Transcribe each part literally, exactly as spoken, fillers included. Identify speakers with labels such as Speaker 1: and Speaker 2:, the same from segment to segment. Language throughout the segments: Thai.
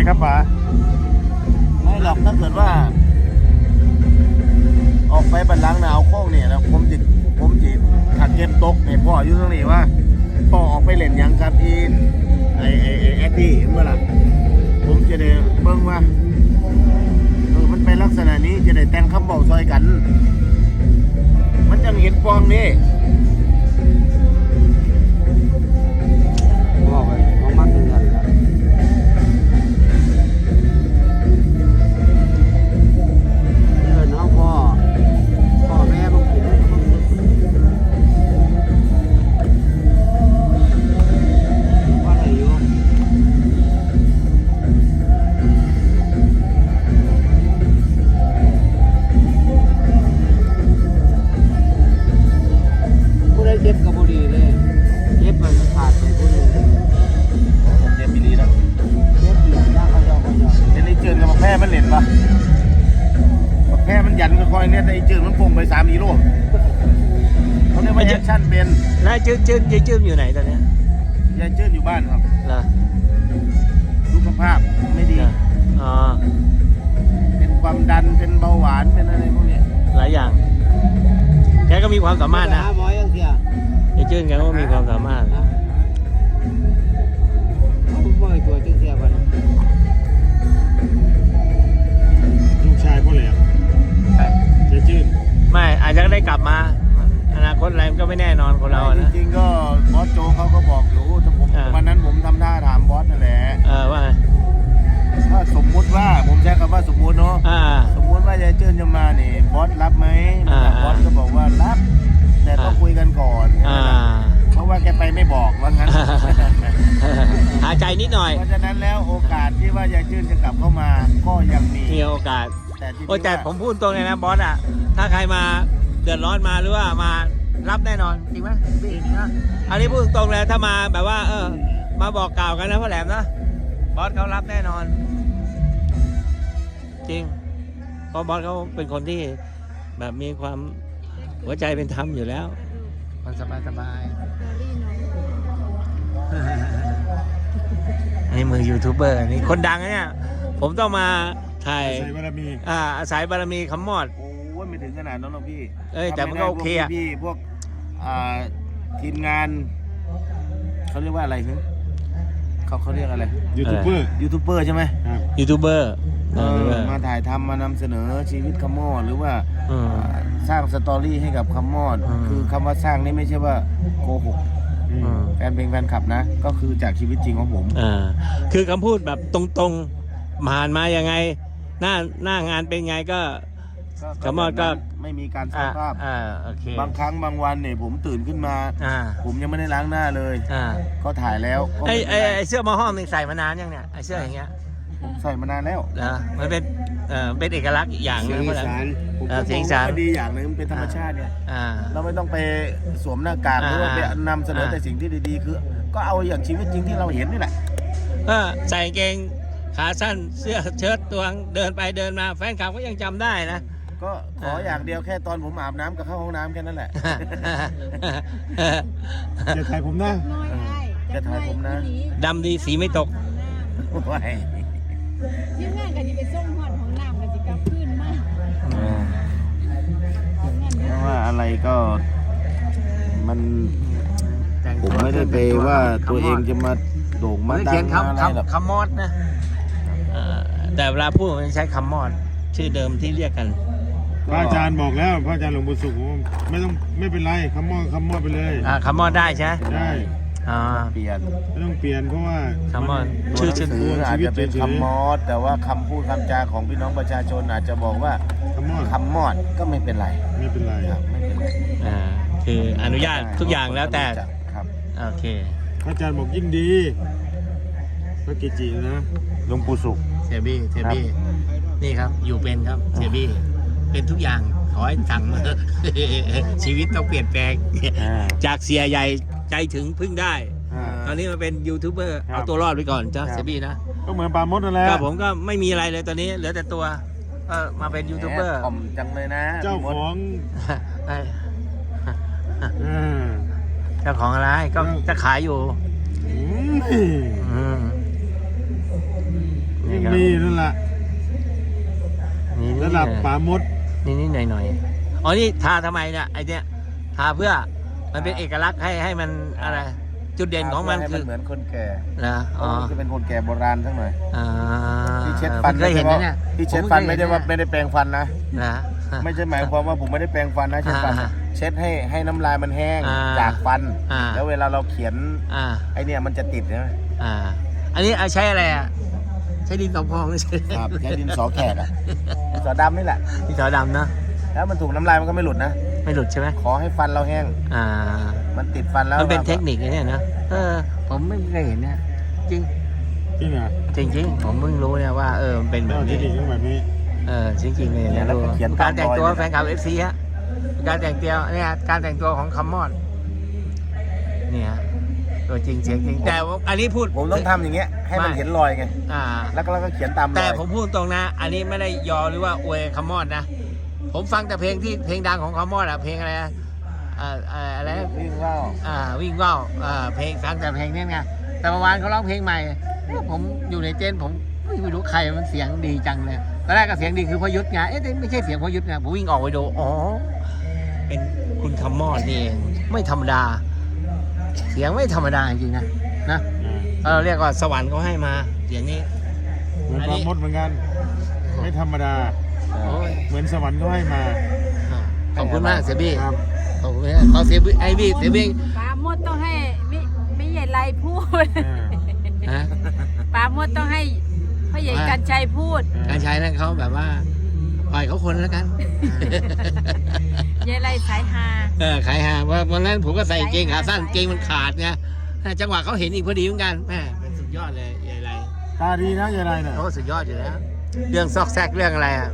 Speaker 1: ครับป๋าไม่หรอกถ้าเกิดว่าออกไปบันลังหนาวโค้งเนี่ยนะผมจิตผมจิตถักเก็บตกเนี่ยพ่ออายุเท่านี้ว่าพ่อออกไปเล่นยังกับอีนไอไอไอแอดดี้เมื่อไหร่ผมจะได้เบิ่งว่าเออมันเป็นลักษณะนี้จะได้แต่งคำบอกซอยกันมันจังเห็นฟองนี่
Speaker 2: บอกไปของมันเป็นอย่างไรเออน้องพ่อพ่อแม่บางทีว่าอะไรอยู่ผู้ใดเจ็บกับบุรีเลยเจ็บไปขาดไปผู้นึง
Speaker 1: ผมเรียนมิลีแล้ว
Speaker 2: เจ็บเหลืองยากเขายอกเขายอก
Speaker 1: เดี๋ยวไอ้เจินกับแพ้มันเล่นปะแพ้มันยันก็คอยเนี่ยแต่ไอ้เจินมันพุ่งไปสามกิโลเขาเรียกว่าแอคชั่นเป็น
Speaker 3: นายจืดจืดยายจืดอยู่ไหนตอนเนี้ย
Speaker 1: ยายเจินอยู่บ้านครับ
Speaker 3: เหรอ
Speaker 1: สุขภาพไม่ดี
Speaker 3: อ๋อ
Speaker 1: เป็นความดันเป็นเบาหวานเป็นอะไรพวกนี้
Speaker 3: หลายอย่างแกก็มีความสามารถนะ
Speaker 2: หาหมอยังเสีย
Speaker 3: ยายจืดแกก็มีความสามารถ
Speaker 2: เขาบ่อยตัวจึงเสียบัน
Speaker 1: ลูกชายพ่อแหลมเจ๊จื้น
Speaker 3: ไม่อาจจะได้กลับมาอนาคตอะไรมันก็ไม่แน่นอนคนเราอะ
Speaker 1: จ
Speaker 3: นะ
Speaker 1: ริงๆก็บอสโจเขาก็บอกอยู่แต่ผม
Speaker 3: อ่า
Speaker 1: วันนั้นผมทำท่าถามบอสนั่นแหละ
Speaker 3: เออว่าไง
Speaker 1: ถ้าสมมุติว่าผมใช้คำว่าสมมุติเนาะ
Speaker 3: อ่า
Speaker 1: สมมุติว่ายายเจิ้นจะมาเนี่ยบอสรับไหม
Speaker 3: อ่า
Speaker 1: บอสก็บอกว่ารับ แต่ต้อง
Speaker 3: อ่า
Speaker 1: คุยกันก่อน
Speaker 3: อ่า
Speaker 1: เพราะว่าแกไปไม่บอกว่างั้น
Speaker 3: หาใจนิดหน่อย
Speaker 1: เพราะฉะนั้นแล้วโอกาสที่ว่ายายเจิ้นจะกลับเข้ามาก็ยังมี
Speaker 3: มีโอกาส
Speaker 1: แต่ที่
Speaker 3: โอ้แต่
Speaker 1: ว่า
Speaker 3: ผมพูดตรงเลยนะบอสอ่ะถ้าใครมาเดือดร้อนมาหรือว่ามารับแน่นอนจริงไหมพี่จริงนะอันนี้พูดตรงเลยถ้ามาแบบว่า เออ มาบอกกล่าวกันนะพ่อแหลมนะบอสเขารับแน่นอน จริงเพราะบอสเขาเป็นคนที่แบบมีความหัวใจเป็นธรรมอยู่แล้วมันสบายสบายอันนี้มือยูทูบเบอร์นี่คนดังนะเนี่ยผมต้องมาถ่าย
Speaker 1: ใส่บารมี
Speaker 3: อ่าอาศัยบารมีคำมอด
Speaker 1: โอ้ยไม่ถึงขนาดนั้นหรอกพี่
Speaker 3: เอ้ยแต่มันก็โอเคอะ
Speaker 1: พี่พวกอ่าทีมงานเขาเรียกว่าอะไรฮึเขาเขาเรียกอะไร
Speaker 3: ยูทูบเบอร์
Speaker 1: ยูทูบเบอร์ใช่ไหม
Speaker 3: ยูทูบเบอร์
Speaker 1: เออมาถ่ายทำมานำเสนอชีวิตคำมอดหรือว่า
Speaker 3: อืม
Speaker 1: อ่าสร้างสตอรี่ให้กับคำมอด
Speaker 3: อืม
Speaker 1: คือคำว่าสร้างนี่ไม่ใช่ว่าโกหก
Speaker 3: อืม
Speaker 1: แฟนเพลงแฟนคลับนะ ก็คือจากชีวิตจริงของผม
Speaker 3: อ่าคือคำพูดแบบตรงๆผ่านมายังไง หน้าหน้างานเป็นไงก็ คำมอดก็
Speaker 1: ไม่มีการสร้า
Speaker 3: อ่าง
Speaker 1: ภาพ
Speaker 3: อ่าโอเค
Speaker 1: บางครั้งบางวันเนี่ยผมตื่นขึ้นมา
Speaker 3: อ่า
Speaker 1: ผมยังไม่ได้ล้างหน้าเลย
Speaker 3: อ่า
Speaker 1: ก็ถ่ายแล้วก็
Speaker 3: ไอ
Speaker 1: ม่
Speaker 3: ไอ
Speaker 1: เป็นร
Speaker 3: ไอเสื้อหมอห้อมนี่ใส่มานานยังเนี่ยไอเสื้ออย่างเงี้ย
Speaker 1: ผมใส่มานานแล้ว
Speaker 3: เหรอมันเป็นเอ่อเป็นเอกลักษณ์อีกอย่างห
Speaker 2: เสี
Speaker 3: นึ
Speaker 2: ยง
Speaker 3: ง
Speaker 2: อี
Speaker 3: เพราะอะไร
Speaker 2: สาน
Speaker 1: ผม
Speaker 3: อ่า
Speaker 1: ก็
Speaker 3: เสียง
Speaker 1: ม
Speaker 3: อี
Speaker 1: อง
Speaker 3: สาน
Speaker 1: ว่าดีอย่างหนึงมันเป็นธรรมชาติเนี่ย
Speaker 3: อ่า
Speaker 1: เราไม่ต้องไปสวมหน้ากากห
Speaker 3: อ่า
Speaker 1: รือว่าไปนำเสนอ
Speaker 3: อ่า
Speaker 1: แต่สิ่งที่ดีๆ คือ ก็เอาอย่างชีวิตจริงที่เราเห็นนี่แหละ
Speaker 3: ก็ใส่กางเกงขาสั้นเสื้อเชิ้ตตัวเดินไปเดินมาแฟนคลับก็ยังจำได้นะ
Speaker 1: ก็ขออย่างเดียวแค่ตอนผมอาบน้ำกับเข้าห้องน้ำแค่นั้นแหละ
Speaker 4: จะถ่ายผมนะ
Speaker 5: น้อยได้
Speaker 1: จะถ่ายผมนะ
Speaker 3: ดำดีสีไม่ตก
Speaker 1: ว้าย
Speaker 5: ทีมงานก็จะไปส่งหอดของน้ำก็จะกลับคืนมา
Speaker 1: เออเพราะว่าอะไรก็มันผมไม่ได้ไปว่าตัวเองจะมาโด่ง
Speaker 3: มั
Speaker 1: มาน ดั
Speaker 3: เขีย
Speaker 1: ง
Speaker 3: น
Speaker 1: มาอะไร
Speaker 3: คำ
Speaker 1: หรอก
Speaker 3: คำคำมอดนะเอ่อแต่เวลาพูดมันใช้คำมอด ชื่อเดิมที่เรียกกัน
Speaker 4: พระอาจารย์บอกแล้วพระอาจารย์หลวงปู่สุขว่าไม่ต้องไม่เป็นไรคำมอดคำมอดไปเลย
Speaker 3: อ่าคำมอดได้ใช่ไหม
Speaker 4: ได้
Speaker 3: อ่า
Speaker 1: เปลี่ยน
Speaker 4: ไม่ต้องเปลี่ยนเพราะว่า
Speaker 3: คำมอด
Speaker 1: ตัว
Speaker 3: ชื่อ
Speaker 1: หนั
Speaker 3: ชื่อ
Speaker 1: งสืออาจจะเป็นคำมอดแต่ว่าคำพูดคำจาของพี่น้องประชาชนอาจจะบอกว่า
Speaker 4: คำมอด
Speaker 1: คำมอดก็ไม่เป็นไร
Speaker 4: ไม่เป็นไร
Speaker 1: ครับไม่เป็นไร
Speaker 3: อ่าคืออนุญาตทุกอย่างแล้วแต่
Speaker 1: ครับ
Speaker 3: โอเค
Speaker 4: พระอาจารย์บอกยิ่งดีพระเกจินะ
Speaker 1: หลวงปู่สุข
Speaker 3: เสียบี้เสียบี้นี่ครับ อยู่เป็นครับ เสียบี้เป็นทุกอย่างขอให้สั่งมา ชีวิตต้องเปลี่ยนแปลง จากเสียใหญ่ใจถึงพึ่งได้
Speaker 4: อ่า
Speaker 3: ตอนนี้มาเป็นยูทูบเบอร์
Speaker 4: ครับ
Speaker 3: เอาตัวรอดไปก่อนจ้า
Speaker 4: ครับ
Speaker 3: เสียบี้นะ
Speaker 4: ก็เหมือนปลาโมดนั่นแหละ
Speaker 3: ก็ผมก็ไม่มีอะไรเลยตอนนี้เหลือแต่ตัวก็มาเป็นยูทูบเบอร์
Speaker 1: แหมถ่อมจังเลยนะ
Speaker 4: เจ้าของ
Speaker 3: ไอ้
Speaker 4: อ่า
Speaker 3: เจ้าของอะไรก็จะขายอยู่
Speaker 4: อืม
Speaker 3: อืม
Speaker 4: ยิ่ง
Speaker 3: ครับ
Speaker 4: มีนั่นแหละ
Speaker 3: นี่
Speaker 4: ระดับป่ามด
Speaker 3: นี่นี่หน่อยหน่อยๆอ๋อนี่ทาทำไมเนี่ยไอเนี้ยทาเพื่อมันเป็นเอกลักษณ์ให้ให้มันอะไร จุดเด่นของมัน
Speaker 1: ให้
Speaker 3: คือ
Speaker 1: เหมือนคนแก่
Speaker 3: นะอ๋อ
Speaker 1: จะเป็นคนแก่โบราณทั้งหน่อย
Speaker 3: อ่า
Speaker 1: ที่เช็ดฟัน
Speaker 3: ผมเคยเห็นนะเนี่ย
Speaker 1: ที่เช็ดฟันไม่ได้ว่าไม่ได้แปรงฟันนะ
Speaker 3: นะ
Speaker 1: ไม่ใช่หมายความว่าผมไม่ได้แปรงฟันนะเช็ดฟัน
Speaker 3: อ่า
Speaker 1: เช็ดให้ให้น้ำลายมันแห้ง
Speaker 3: อ่า
Speaker 1: จากฟัน
Speaker 3: อ่า
Speaker 1: แล้วเวลาเราเขียน
Speaker 3: อ่า
Speaker 1: ไอเนี่ยมันจะติดใช่ไหม
Speaker 3: อ่าอันนี้ใช้อะไรอ่ะใช้ดินสอพองหรือใช้
Speaker 1: ครับใช้ดินสอแขกอะดินสอดำนี่แหละ
Speaker 3: ดินสอดำนะ
Speaker 1: แล้วมันถูกน้ำลายมันก็ไม่หลุดนะ
Speaker 3: ไม่หลุดใช่ไหม
Speaker 1: ขอให้ฟันเราแห้ง
Speaker 3: อ่า
Speaker 1: มันติดฟันแล้ว
Speaker 3: มันเป็นเทคนิคนะเนี่ยนะเออผมไม่เคยเห็นเนี่ยจริง
Speaker 4: จริงเหรอ
Speaker 3: จริงจริงผมเพิ่งรู้เนี่ยว่าเออมันเป็นแบบ
Speaker 4: เท
Speaker 3: นี้
Speaker 4: คนิคต้องแบบนี้
Speaker 3: เออจริงจริงๆเลยเนี่ยดูการแต่งตัวแฟนคลับเอฟซีฮะการแต่งตัวเนี่ยการแต่งตัวของคัมมอนเนี่ยตัวจริงเสียงจริงแต่ว่าอันนี้พูด
Speaker 1: ผมต้องทำอย่างเงี้ยให้มันเห็นรอยไง
Speaker 3: อ่า
Speaker 1: แล้วก็แล้วก็เขียนตามรอย
Speaker 3: แต่ผมพูดตรงนะ อันนี้ไม่ได้ยอหรือว่าอวยคัมมอนนะผมฟังแต่เพลงที่เพลงดังของคัมมอนอะเพลงอะไรนะอ่าอ่าอะไรนะ
Speaker 1: วิ่งว่าว
Speaker 3: อ่าวิ่งว่าวอ่าเพลงฟังแต่เพลงนี้ไงแต่เมื่อวานเขาร้องเพลงใหม่เอ๊ะผมอยู่ในเต้นท์ผมไม่รู้ใครมันเสียงดีจังเลยตอนแรกก็เสียงดีคือพยุทธไงเอ๊ะแต่ไม่ใช่เสียงพยุทธไงผมวิ่งออกไปดูอ๋อเป็นคุณคัมมอนนี่เองไม่ธรรมดา เสียงไม่ธรรมดาจริงๆนะนะเราเรียกว่าสวรรค์เขาให้มาเสียงนี้
Speaker 4: เหมือน
Speaker 3: อัน
Speaker 4: ป่า
Speaker 3: นี้
Speaker 4: มดเหมือนกัน ไม่ธรรมดา
Speaker 3: โอ้ย
Speaker 4: เหมือนสวรรค์เขาให้มา
Speaker 3: ขอบคุณมากเสียบี้
Speaker 4: ครับ
Speaker 3: ขอบคุณมากขอเสียบี้ไอบี้เสียบี้
Speaker 5: ปลาหมดต้องให้ไม่ไม่ใหญ่ไรพูด
Speaker 3: ฮะ
Speaker 5: ปลาหมดต้องให้พ่อใหญ่กันชัยพูด
Speaker 3: การใช้นั่นเขาแบบว่าปล่อยเขาคนแล้วกัน
Speaker 5: ใหญ่ไรสายฮา
Speaker 3: เออขายหาว่าวันนั้นผมก็ใส่กางเกงขาสั้นกางเกงมันขาดไงจังหวะเขาเห็นอีกพอดีเหมือนกันแม่เป็นสุดยอดเลยใหญ่ไร
Speaker 4: ตาดีนะยายไรเนี่ย
Speaker 3: โอ้สุดยอดอยู่แล้วเรื่องซอกแซกเรื่องอะไรอ่ะ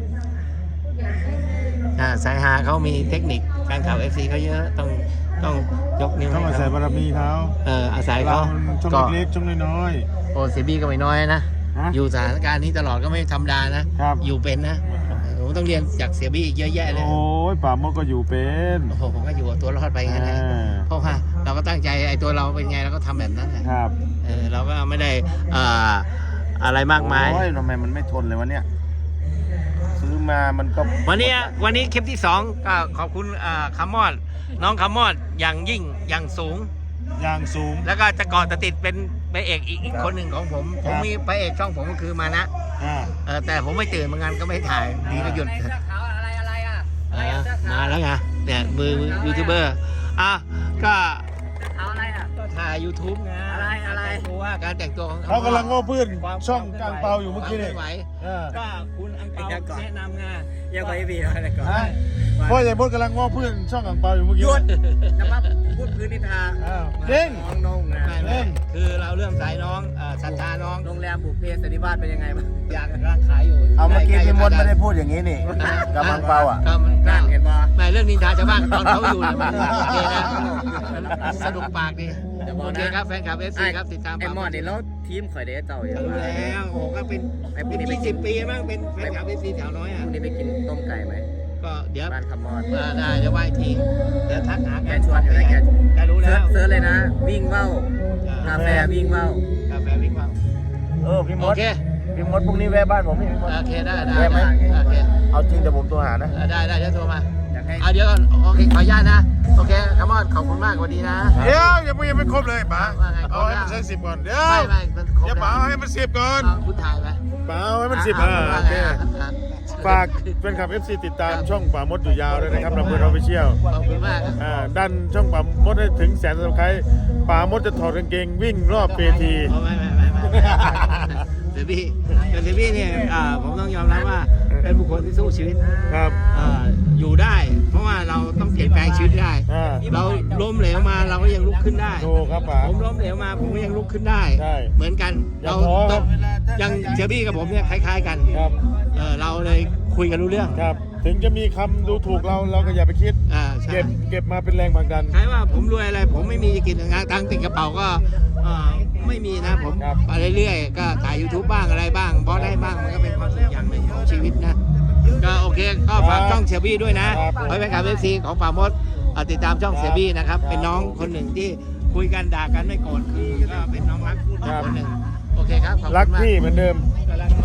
Speaker 3: อ่าสายหาเขามีเทคนิคการข่าวเอฟซีเขาเยอะต้องต้องยกนิ้ว
Speaker 4: ต้อง
Speaker 3: ให้
Speaker 4: อาศัย
Speaker 3: เขา
Speaker 4: บารมีเขา
Speaker 3: เอออาศัย
Speaker 4: เรา
Speaker 3: เขา
Speaker 4: มันช่อง
Speaker 3: ก็
Speaker 4: เล็กๆช่องน้อย
Speaker 3: โอ้เซบี้ก็ไม่น้อยนะ
Speaker 4: ๆฮะ
Speaker 3: อยู่สถานการณ์นี้ตลอดก็ไม่ธรรมดานะครับ อยู่เป็นนะผมต้องเรียนจากเสียบี้อีกเยอะแยะเลย
Speaker 4: โอ้ยป่ามดก็อยู่เป็น
Speaker 3: โอ้โหผมก็อยู่กับตัวรอดไปงั้นแหละ
Speaker 4: อ่า
Speaker 3: เพราะว่าเราก็ตั้งใจไอ้ตัวเราเป็นไงเราก็ทำแบบนั้นแหละ
Speaker 4: ครับ
Speaker 3: เออเราก็ไม่ได้อ่าอะไรมากมาย
Speaker 1: โอ้ยทำไมมันไม่ทนเลยวะเนี่ยซื้อมามันก็
Speaker 3: วันนี้วันนี้คลิปที่สองก็ขอบคุณอ่าคัมมอนน้องคัมมอนอย่างยิ่งอย่างสูง
Speaker 4: อย่างสูง
Speaker 3: แล้วก็จะเกาะจะติดเป็นพระเอกอีกอีกคนหนึ่งของผม ผมมีพระเอกช่องผมก็คือมานะ
Speaker 4: อ่า
Speaker 3: เออแต่ผมไม่ตื่นเหมือนกันก็ไม่ถ่ายดีก็หยุด
Speaker 2: อะไรอะไรอ่ะ
Speaker 3: เออมาแล้วไงเนี่ยมือยูทูบเบอร์อ่ะก็
Speaker 2: เอาอะไรอ่ะ
Speaker 3: ก็ถ่าย YouTube ไง
Speaker 2: อะไรอะไร
Speaker 3: ดูว่าการแต่งตัวของ
Speaker 4: เขากำลังง้อเพื่อน
Speaker 3: ความ
Speaker 4: ช่องกลางเปาอยู่เมื่อกี้
Speaker 3: ควา
Speaker 4: นี่
Speaker 3: คลื่นไหว
Speaker 4: เออ
Speaker 3: ก็คุณอังเปาแนะนำไง
Speaker 2: ยังไปบีอะไรก่อน
Speaker 4: ฮะพ่อใหญ่มดกำลังง้อเพื่อนช่องกลางเปาอยู่เมื่อกี้
Speaker 2: หยุดจะมาพูดพื้นนิทา
Speaker 4: อ้าวเด้ง
Speaker 2: น้องนงนะ
Speaker 3: ไม่ไม่คือเราเริ่มสายน้องเอ่อศรัทธาน้อง
Speaker 2: โรงแรมบุพเพสันนิวาสเป็นยังไงบ้าง
Speaker 3: อยากกำลังขายอยู่
Speaker 1: เอาเมื่อกี้
Speaker 3: ใล้ๆ
Speaker 1: พี่มด
Speaker 3: จะ
Speaker 1: ไม่ได้พูดอย่างนี้นี่กับมังเปาอ่ะ
Speaker 3: ก็มันก็
Speaker 2: นั่นเห็นป่ะ
Speaker 3: ไม่เรื่องนินทาชาวบ้านตอนเขาอยู่เนี่ยมันโอเคนะสนุกปากดีโอเคครับแฟนคลับเอฟซีครับติดตาม
Speaker 2: ไอ้มอดนี่แล้วทีมข่อยเด้เจ้าอย่าง
Speaker 3: รู้แล้วโอ้โหก็เป็น
Speaker 2: ไอ้พว
Speaker 3: เป็
Speaker 2: ก
Speaker 3: น
Speaker 2: นี้ไป
Speaker 3: ยี่
Speaker 2: กิ
Speaker 3: สิ
Speaker 2: น
Speaker 3: บปีมั้งเป็นแฟนคลับเอฟซีแถวน้อย
Speaker 2: พ
Speaker 3: อ่ะ
Speaker 2: รุ่งนี้ไปกินต้มไก่ไหม
Speaker 3: ก็เดี๋ยว
Speaker 2: บ้านคำมอด
Speaker 3: เออได้เดี๋ยวไหว้ทีเดี๋ยวทักหา
Speaker 2: แกชวนอยู่นะแก
Speaker 3: แกรู้
Speaker 2: เซิ
Speaker 3: แล้
Speaker 2: ร์ช
Speaker 3: ว
Speaker 2: เซิร์ชเลยนะ วิ่งเว้า กาแฟวิ่งเว้าก
Speaker 3: าแฟวิ่งว่าว
Speaker 1: เออพี่ม
Speaker 3: โอ
Speaker 1: ด
Speaker 3: เค
Speaker 1: พี่มดพรุ่งนี้แวะบ้านผมนี่พี่มด
Speaker 3: โอเคได้ได้
Speaker 1: ได้ไหม
Speaker 3: โอเค
Speaker 1: เอาจริงเดี๋ยวผมโทรหานะ
Speaker 3: เออได้ได้เดี๋ยวโทรมา
Speaker 2: อยากให้
Speaker 3: เอาเดี๋ยวก่อนโอเคขออนุญาตนะโอเคคัมมอนขอบคุณมากสวัสดีนะ
Speaker 4: เดี๋ยวยังไม่ยังไม่ครบเลยป๋า
Speaker 3: ว่าไง
Speaker 4: เอาให้มันใช้สิบก่อนเดี๋ยว
Speaker 3: ไม่ไม่มันครบ
Speaker 4: เดี๋ยวป๋า
Speaker 3: แล้ว
Speaker 4: เอาให้มันสิบก่อน
Speaker 3: เอาคุณถ่ายไหม
Speaker 4: ป๋าเอาให้มันสิบ
Speaker 3: อ่ะ
Speaker 4: อ่า
Speaker 3: ว่า
Speaker 4: โอ
Speaker 3: ไง
Speaker 4: เค
Speaker 3: อ่ะอ่ะ
Speaker 4: ฝากแฟนคลับ เอฟ ซี ติดตามช่องป่ามดอยู่ยาวด้วยนะครับเราเพื่อนเราไปเชี่ยว
Speaker 3: ขอบคุณมาก
Speaker 4: อ่าดันช่องป่ามดให้ถึงแสนสับสไครต์ป่ามดจะถอดกางเกงวิ่งรอบเวที
Speaker 3: อ๋อไม่ไม่ไม่ไม่เซบี้แต่เซบี้เนี่ยอ่าผมต้องยอมรับว่าเป็นบุคคลที่สู้ชีวิต
Speaker 4: ครับ
Speaker 3: อ่าอยู่ได้ เพราะว่าเราต้องเปลี่ยนแปลงชีวิตได้
Speaker 4: อ่า
Speaker 3: เราล้มเหลวมาเราก็ยังลุกขึ้นได้
Speaker 4: ถูกครับป๋า
Speaker 3: ผมล้มเหลวมาผมก็ยังลุกขึ้นได้
Speaker 4: ใช่
Speaker 3: เหมือนกัน
Speaker 4: อย่า
Speaker 3: เรา
Speaker 4: ท้อ
Speaker 3: ต้องยังเซบี้กับผมเนี่ยคล้าย ๆ กัน
Speaker 4: ครับ
Speaker 3: เออเราเลยคุยกันรู้เรื่อง
Speaker 4: ครับ ถึงจะมีคำดูถูกเราเราก็อย่าไปคิด
Speaker 3: อ่าใช่
Speaker 4: เก็บเก็บมาเป็นแรงผลักดัน
Speaker 3: ใช่ว่าผมรวยอะไรผมไม่มีจะกินงานตังค์ติดกระเป๋าก็เอ่อไม่มีนะผม
Speaker 4: ครับ
Speaker 3: ไปเรื่อยๆก็ถ่าย YouTube บ้างอะไรบ้างบอสได้บ้างมันก็เป็นความสุขอย่างหนึ่งของชีวิตนะก็โอเคก็ฝากช่องเสียบี้ด้วยนะครับ ไว้เป็นการเอฟซีของป่ามดอ่าติดตามช่องเสียบี้นะครับเป็นน้องคนหนึ่งที่คุยกันด่ากันไม่โกรธคือก็เป็นน้องรัก
Speaker 4: ครับ
Speaker 3: คนหนึ่งโอเคครับขอบคุณ
Speaker 4: รัก
Speaker 3: มาก
Speaker 4: พี่เหมือนเดิม
Speaker 3: เอกำลังน